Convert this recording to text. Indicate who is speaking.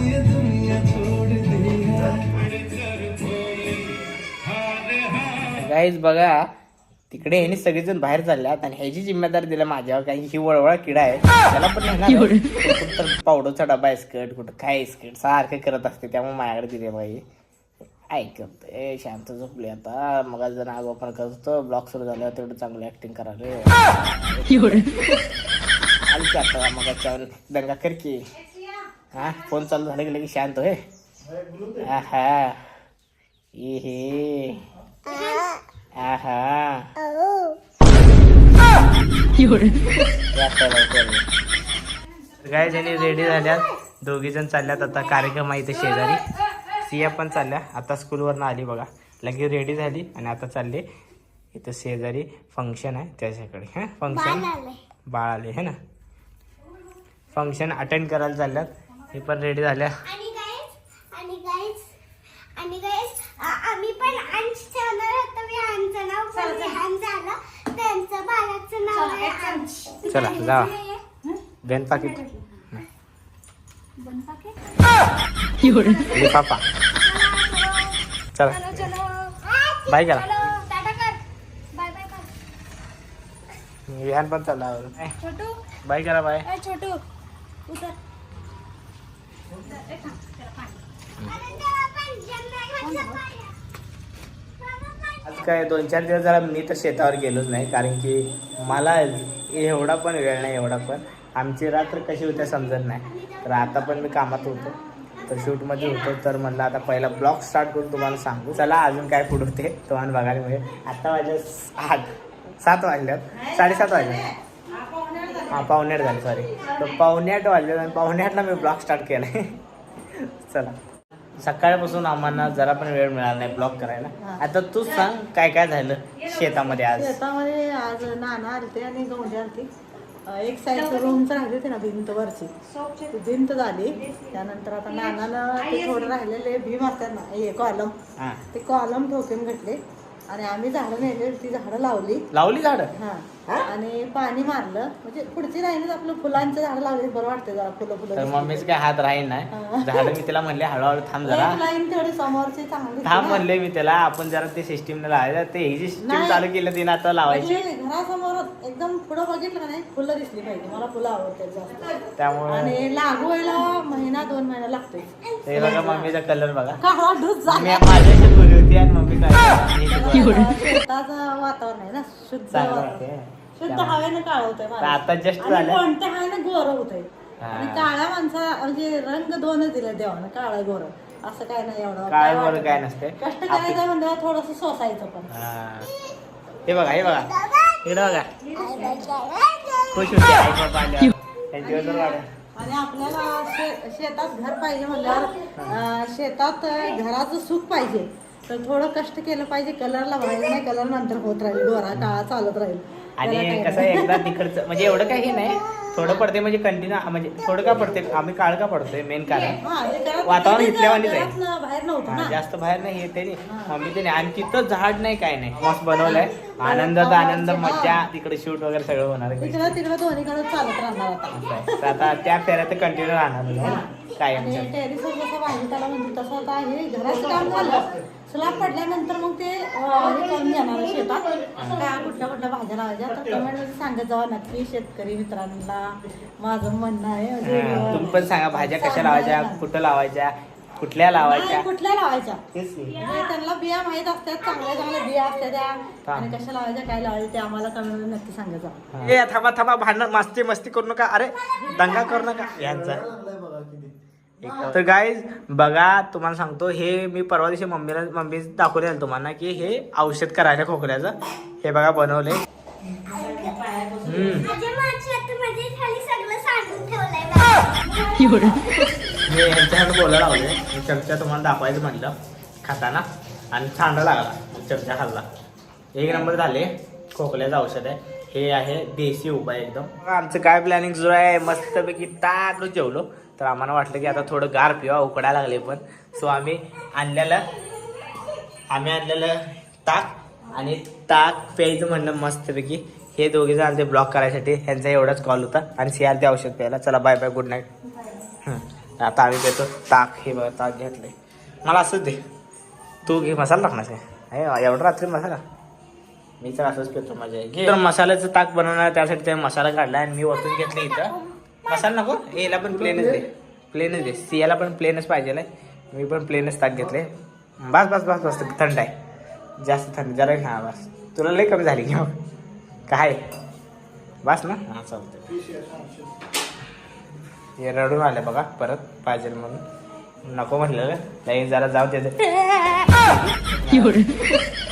Speaker 1: Guys बघा तिकडे ह्याने सगळेजण बाहेर चालल्यात आणि ह्याची जिम्मेदारी दिला माझ्यावर, कारण ही वळवळा किडा आहे त्याला पण कुठं पावडरचा डबा आहे स्कर्ट, कुठं काय स्कर्ट सारखं करत असते, त्यामुळे माझ्याकडे दिले बाई ऐकत ए शांत झोपली आता. मग जर नाग ओपन करत होतो ब्लॉग सुरू झालं तेवढं चांगलं ऍक्टिंग करायला आता मग दंगा कर की. हा फोन चालू झालं की लगेच शांत होय. आहा हे आहा काय जणी रेडी झाल्यात, दोघी जण चालल्यात आता कार्यक्रम आहे इथे शेजारी. सिया पण चालल्या आता स्कूलवरनं आली बघा, लगेच रेडी झाली आणि आता चालले इथं शेजारी फंक्शन आहे त्याच्याकडे. हा फंक्शन बाळ आले है ना, फंक्शन अटेंड करायला चालल्यात. हे पण रेडी झाल्या.
Speaker 2: आम्ही पण अंश ठेवणार होतो, मी अंशचं नाव पण विहान झालं, त्यांचं बाळाचं नाव आहे अंश.
Speaker 1: चला जा बेन पाकिट लिफाफा. चला बाय करा. विहान पण चालला बाय करा. बाय
Speaker 2: छोटू उतर.
Speaker 1: आज काय 2-4 दिवस जरा मी तर शेतावर गेलोच नाही, कारण की मला एवढा पण वेळ नाही, एवढा पण आमची रात्र कशी होत्या समजत नाही. तर आता पण मी कामात होतो, तर शूटमध्ये होतो, तर म्हणलं आता पहिला ब्लॉग स्टार्ट करून तुम्हाला सांगू. चला अजून काय पुढे होते तुम्हाला बघायला मिळेल. आता वाजले 7 वाजल्यात, 7:30 वाजल्यात. हां 7:45 झाले सॉरी. तर 7:45 वाजले आणि 7:45ला मी ब्लॉग स्टार्ट केला आहे. चला सकाळपासून आम्हाला जरा पण वेळ मिळाला नाही ब्लॉग करायला. आता तूच सांग काय काय झालं शेतामध्ये आज.
Speaker 3: शेतामध्ये आज नाना आलते आणि गौंडी आलती. एक साईड रूमचं राहिले होते ना भिंत वरची, ती भिंत झाली. त्यानंतर आता नानानं ते थोडं राहिलेले भीम असतात ना हे कॉलम, ते कॉलम ठोकून घेतले आणि आम्ही झाडं नेले, ती झाडं लावली झाडं. हा आणि पाणी मारलं, म्हणजे पुढची राहिली आपलं फुलांचं झाड लावली बरं वाटतं जरा फुलं.
Speaker 1: तर मम्मीच काय हात राहील नाही झाड. मी तिला म्हणले हळूहळू थांब जरा,
Speaker 3: लाईन तेवढी समोरची चांगली
Speaker 1: थांब म्हणले मी त्याला. आपण जरा ते सिस्टीम लावायचं, ते ही जी सिस्टीम चालू केलं तिने आता लावायची.
Speaker 3: घरासमोर एकदम पुढं बघितलं का नाही फुलं दिसली पाहिजे, मला फुलं आवडतात जास्त.
Speaker 1: त्यामुळे
Speaker 3: आणि लागू व्हायला 1-2 महिना लागतोय.
Speaker 1: ते बघा मम्मीचा कलर बघा,
Speaker 3: काळा ढूस झाला.
Speaker 1: माझ्याशी बोलली होती आणि मम्मी काय
Speaker 3: शेताचं वातावरण आहे ना, शुद्ध शुद्ध हवेनं काळ होतंय
Speaker 1: आता जस्ट
Speaker 3: झालं, कोणत्या हवेनं गोर होतंय. आणि काळ्या माणसा म्हणजे रंग 2च दिले देवानं, काळा गोर असं काय नाही. एवढं
Speaker 1: काय गोर काय नसते,
Speaker 3: कष्ट करायचं म्हणजे थोडस सोसायचं पण.
Speaker 1: हे बघा हे बघा खुश होते आई बाबा आल्यावर.
Speaker 3: आणि आपल्याला शेतात घर पाहिजे म्हणल्यावर शेतात घराचं सुख पाहिजे, तर थोडं कष्ट केलं पाहिजे. कलरला व्हायला नाही, कलर नंतर होत राहील, गोरा काळा चालत राहील.
Speaker 1: आणि कसं एकदा तिकडचं म्हणजे एवढं काही नाही, थोडं पडते म्हणजे कंटिन्यू, म्हणजे थोडं का पडते आम्ही काळ का पडतोय मेन कारण वातावरण इथल्यावानीच आहे.
Speaker 3: बाहेर नव्हतं
Speaker 1: जास्त बाहेर नाही येते मम्मी ते. आणि तिथं झाड नाही काय नाही, मस्त बनवलंय. आनंदाचा आनंद, मज्जा, तिकडे शूट वगैरे सगळं होणार आहे.
Speaker 3: तिकडं दोन्हीकडे चालत राहणार
Speaker 1: आता त्या फेऱ्यात कंटिन्यू राहणार काय.
Speaker 3: टेरिसवर जसं भाजीपाला म्हणजे तसं आता हे घराचं काम झालं, स्लॅब पडल्यानंतर मग ते हे करून घेणार शेतात काय कुठल्या भाज्या लावायच्या. तर कमेंटमध्ये सांगत जावा नक्की शेतकरी मित्रांना. माझं म्हणणं आहे
Speaker 1: तुम्ही पण सांगा भाज्या कशा लावायच्या, कुठं लावायच्या, कुठल्या लावायच्या.
Speaker 3: म्हणजे त्यांना बिया माहित असतात, चांगल्या बिया असतात त्या, आणि कशा लावायच्या काय लावायच्या ते आम्हाला कमेंटमध्ये नक्की सांगत जावा.
Speaker 1: थांबा भांडण मस्ती करू नका, अरे दंगा करू नका यांचा. तर गाईज बघा तुम्हाला सांगतो, हे मी परवा दिवशी मम्मी दाखवले आलं तुम्हाला की हे औषध करायला खोकल्याचं. हे बघा बनवले. मी यांच्याकडे बोलायला लावले, चर्चा तुम्हाला दाखवायचं म्हटलं खाताना, आणि छांडा लागला, चर्चा खाल्ला. 1 नंबर झाले. खोकल्याचं औषध आहे हे, आहे देशी उपाय एकदम. आमचं काय प्लॅनिंग सुरू आहे, मस्तपैकी ताक जेवलो. तर आम्हाला वाटलं की आता थोडं गार पिवा, उकडायला लागले पण. सो आम्ही आणलेलं ताक, आणि ताक प्यायचं म्हणणं मस्तपैकी. हे दोघे जण आमचे ब्लॉक करायसाठी, ह्यांचा एवढाच कॉल होता. आणि सियाल ते औषध प्यायला. चला बाय बाय, गुड नाईट. आता आम्ही देतो ताक. हे बघा ताक घेतलंय. मला असंच दे. तू घे. मसाला टाकणार आहे एवढं रात्री मसाला. मी तर असंच पितो माझ्या. घे. तर मसाल्याचं ताक बनवणार त्यासाठी ते मसाला काढला आणि मी ओतून घेतलं इथं. मसाला नको. याला पण प्लेनच दे. प्लेनच दे. सियाला पण प्लेनच पाहिजे. मी पण प्लेनच ताक घेतले. बस बस बस बस. थंड आहे. जास्त थंड जरा. हां बस. तुला लई कमी झाली की मग काय बस ना. हां चालतं. हे रडून आले बघा परत पाहिजे म्हणून. नको म्हटलेलं नाही जरा जाऊ दे.